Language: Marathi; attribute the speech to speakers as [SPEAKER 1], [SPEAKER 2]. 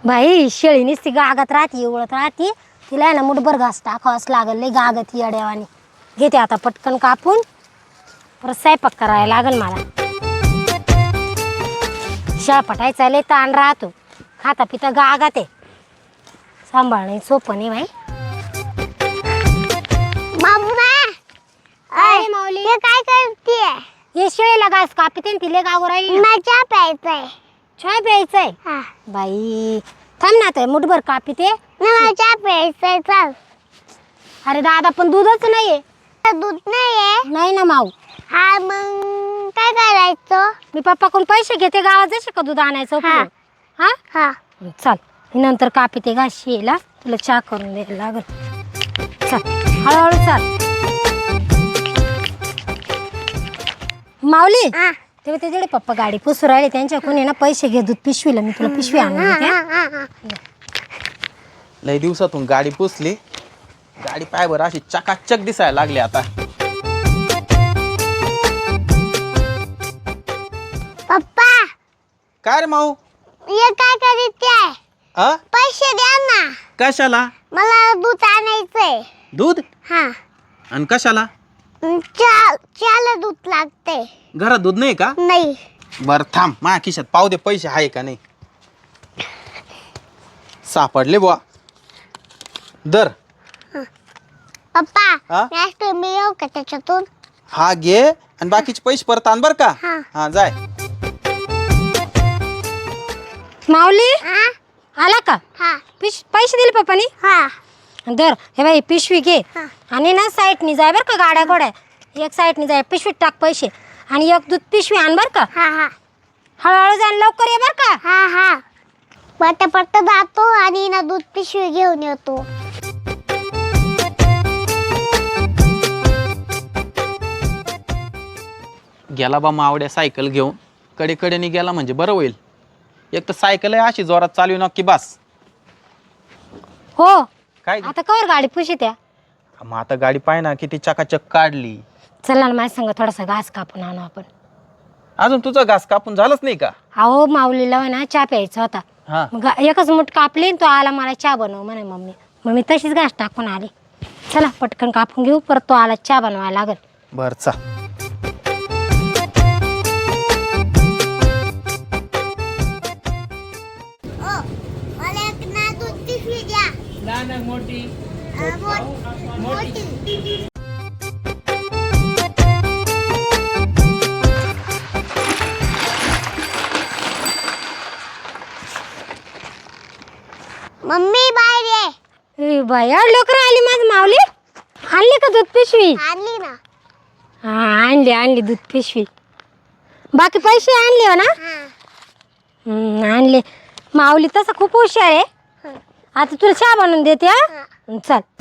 [SPEAKER 1] बाई शेळी नुसती गागात राहते उळत राहते तिला आहे ना मुठभर घास टाकावाच लागल लय गागत येड्यावानी घेते आता पटकन कापून परत स्वयंपाक करायला लागल मला शेळ्या पटायचा लय ताण राहतो खाता पिता गागात आहे सांभाळणे सोपं नाही बाई माऊली
[SPEAKER 2] काय करते
[SPEAKER 1] हे शेळीला घास कापते तिले गाव राहील
[SPEAKER 2] चहा प्यायचाय
[SPEAKER 1] चहा प्यायचाय बाई थांब ना आता मुठभर कापते
[SPEAKER 2] चहा प्यायचाय चल
[SPEAKER 1] अरे दादा पण दूधच नाहीये
[SPEAKER 2] दूध नाहीये
[SPEAKER 1] नाही ना माऊ
[SPEAKER 2] हा मग काय करायचं
[SPEAKER 1] मी पप्पाकडून पैसे घेते गावात जसे का दूध आणायचं
[SPEAKER 2] हा.
[SPEAKER 1] हा
[SPEAKER 2] हा
[SPEAKER 1] चल मी नंतर कापते घास शेळीला तुला चहा करून द्यायला लागल चल हळूहळू चाल माऊली तेव्हा त्याच्याकडे पप्पा गाडी पुसू राहिले त्यांच्याकडून आहे ना पैसे घे दूध पिशवीला मी तुला पिशवी आणून देते
[SPEAKER 3] लय दिवसातून गाडी पुसली गाडी पायवर अशी चकाचक दिसायला लागली आता
[SPEAKER 2] पप्पा
[SPEAKER 3] काय रे माऊ
[SPEAKER 2] ये काय करते पैसे द्या ना
[SPEAKER 3] कशाला
[SPEAKER 2] मला दूध आणायचंय
[SPEAKER 3] दूध
[SPEAKER 2] हा
[SPEAKER 3] आणि कशाला
[SPEAKER 2] चहाला दूध लागते
[SPEAKER 3] घरात दूध नाही का
[SPEAKER 2] नाही
[SPEAKER 3] बर थांब माझ्या खिशात पाहू दे पैसे आहे का नाही सापडले बुवा दर
[SPEAKER 2] पप्पा नेक्स्ट मी येऊ का त्याच्यातून
[SPEAKER 3] हा घे आणि बाकीचे पैसे परत आण बर का हा जाय
[SPEAKER 1] माऊली आला का
[SPEAKER 2] हा
[SPEAKER 1] पैसे दिले पप्पानी
[SPEAKER 2] हा
[SPEAKER 1] दर हे बाई पिशवी घे आणि ना साईडनी जाय बरं का गाड्या घोड्या एक साईडनी जाय पिशवीत टाक पैसे आणि एक दूध पिशवी आण बरं का
[SPEAKER 2] हा हा
[SPEAKER 1] हळूहळू जाण लवकर ये बरं का
[SPEAKER 2] हा हा पट्ट जातो आणि ना दूध पिशवी घेऊन येतो
[SPEAKER 3] गेला बा मावड्या सायकल घेऊन कडेकडेने गेला म्हणजे बरं होईल एक तर सायकल आहे अशी जोरात चालू नक्की बस
[SPEAKER 1] हो
[SPEAKER 3] काय
[SPEAKER 1] आता कवर गाडी पुशी त्या
[SPEAKER 3] मग आता गाडी पाय ना किती चकाचक काढली
[SPEAKER 1] चला ना माझ्या संग थोडासा घास कापून आणू आपण
[SPEAKER 3] अजून तुझा घास कापून झालंच नाही का
[SPEAKER 1] अहो माऊलीला ना चहा प्यायचा होता
[SPEAKER 3] हा
[SPEAKER 1] मग एकच मुठ कापली तो आला मला चहा बनव म्हणे मम्मी मग मी तशीच घास टाकून आली चला पटकन कापून घेऊ परत तो आला चहा बनवायला लागल
[SPEAKER 3] बर चा
[SPEAKER 2] मला एक ना दूध पिशवी द्या मोठी मम्मी बाहेर ये
[SPEAKER 1] बाया लवकर आली माझ माऊली आणली का दूध पिशवी
[SPEAKER 2] आणली ना
[SPEAKER 1] हा आणली दूध पिशवी बाकी पैसे आणले हो ना आणले माऊली तसं खूप हुशार आहे आता तुला चहा बनवून देते हा चल